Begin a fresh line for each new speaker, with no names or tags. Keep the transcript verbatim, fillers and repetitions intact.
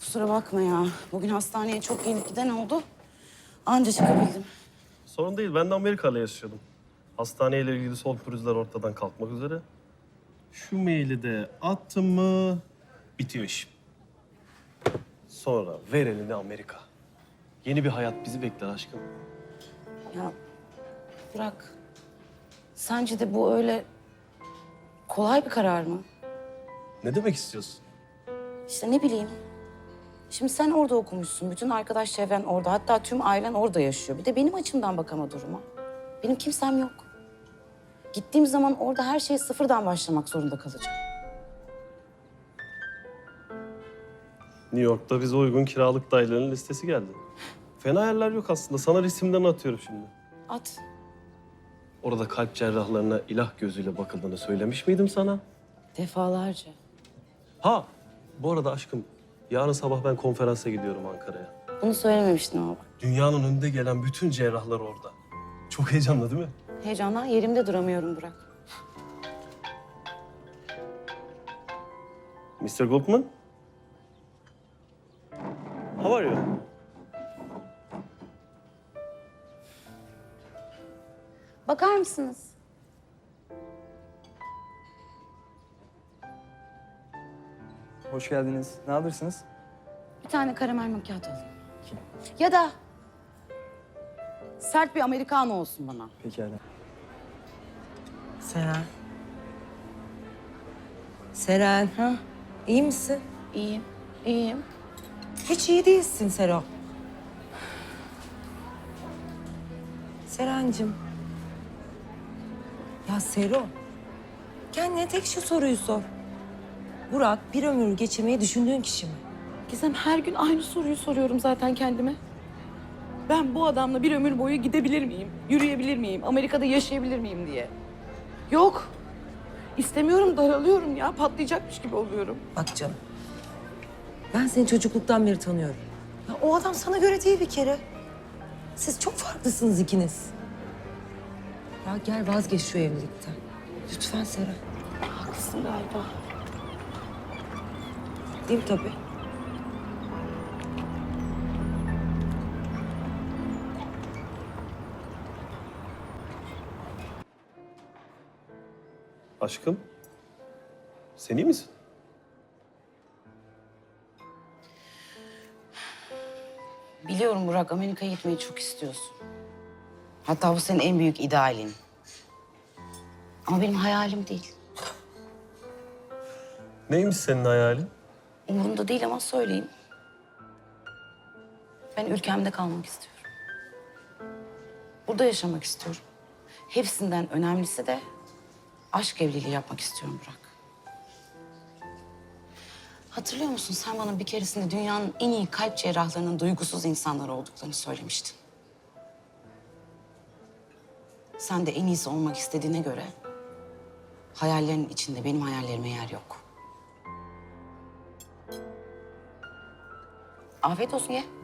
Kusura bakma ya. Bugün hastaneye çok gelip giden oldu. Anca çıkabildim.
Sorun değil. Ben de Amerika'yla yaşıyordum. Hastaneyle ilgili son pürüzler ortadan kalkmak üzere. Şu maili de attım mı bitiyor işim. Sonra ver elini Amerika. Yeni bir hayat bizi bekler aşkım.
Ya Burak, sence de bu öyle kolay bir karar mı?
Ne demek istiyorsun?
İşte ne bileyim. Şimdi sen orada okumuşsun. Bütün arkadaş çevren orada. Hatta tüm ailen orada yaşıyor. Bir de benim açımdan bak ama duruma. Benim kimsem yok. Gittiğim zaman orada her şeyi sıfırdan başlamak zorunda kalacağım.
New York'ta bize uygun kiralık dairelerin listesi geldi. Fena yerler yok aslında. Sana resimden atıyorum şimdi.
At.
Orada kalp cerrahlarına ilah gözüyle bakıldığını söylemiş miydim sana?
Defalarca.
Ha, bu arada aşkım, yarın sabah ben konferansa gidiyorum Ankara'ya.
Bunu söylememiştin ama.
Dünyanın önünde gelen bütün cerrahlar orada. Çok heyecanlı değil mi?
Heyecandan yerimde duramıyorum Burak.
mister Goldman? How are you?
Bakar mısınız?
Hoş geldiniz. Ne alırsınız?
Bir tane karamel macchiato alayım. Ya da sert bir americano olsun bana.
Pekala.
Seren. Seren, ha? İyi misin?
İyiyim, iyiyim.
Hiç iyi değilsin Sero. Serencim. Ya Sero, kendine tek şu soruyu sor. Burak bir ömür geçirmeyi düşündüğün kişi mi?
Gizem, her gün aynı soruyu soruyorum zaten kendime. Ben bu adamla bir ömür boyu gidebilir miyim? Yürüyebilir miyim? Amerika'da yaşayabilir miyim diye. Yok. İstemiyorum, daralıyorum ya. Patlayacakmış gibi oluyorum.
Bak canım, ben seni çocukluktan beri tanıyorum. Ya o adam sana göre değil bir kere. Siz çok farklısınız ikiniz. Ya gel vazgeç şu evlilikten. Lütfen Seren.
Haklısın galiba.
Değil mi tabii?
Aşkım, sen iyi misin?
Biliyorum Burak, Amerika'ya gitmeyi çok istiyorsun. Hatta bu senin en büyük idealin. Ama benim hayalim değil.
Neymiş senin hayalin?
Umurumda değil ama söyleyeyim. Ben ülkemde kalmak istiyorum. Burada yaşamak istiyorum. Hepsinden önemlisi de aşk evliliği yapmak istiyorum Burak. Hatırlıyor musun, sen bana bir keresinde dünyanın en iyi kalp cerrahlarının duygusuz insanlar olduklarını söylemiştin. Sen de en iyisi olmak istediğine göre hayallerin içinde benim hayallerime yer yok. Afiyet olsun, ye.